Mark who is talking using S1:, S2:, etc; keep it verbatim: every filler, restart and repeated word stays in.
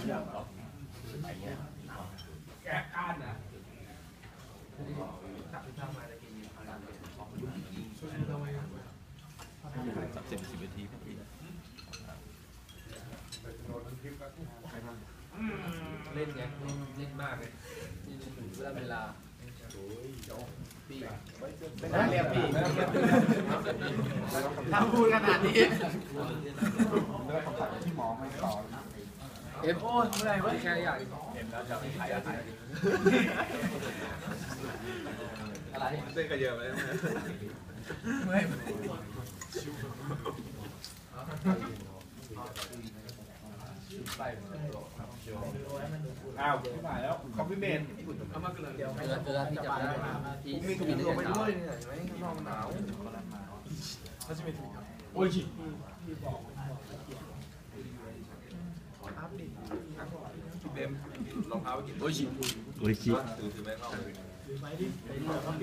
S1: แกะก้านอ่ะ
S2: สักสิบสิบนาทีพอดี
S3: เล่นไงเล่นมากเลยเวลาเวลาปีเรียบปีถ้าพูดขนาดนี้ที่หมอไม่ต่อเอฟโอ้เมื่อไรวะแค่อยากเห็นแล้วจะไปขายอะไรอะไรเส้นกระเยอะไหมเมื่อย
S1: อ้าวไม่ได้แล้วคอมพิวเมนต์เอามาเกลือเดียวเกลือเกลือที่จะได้มีถุงมือไปด้วยเนี่ยเห็นไหมข้างนอกมันหนาวเขาจะมีถุงโอ้ยเบมรองเท้าไปกินโอ้ยโอ้ยถือถือไปเข้า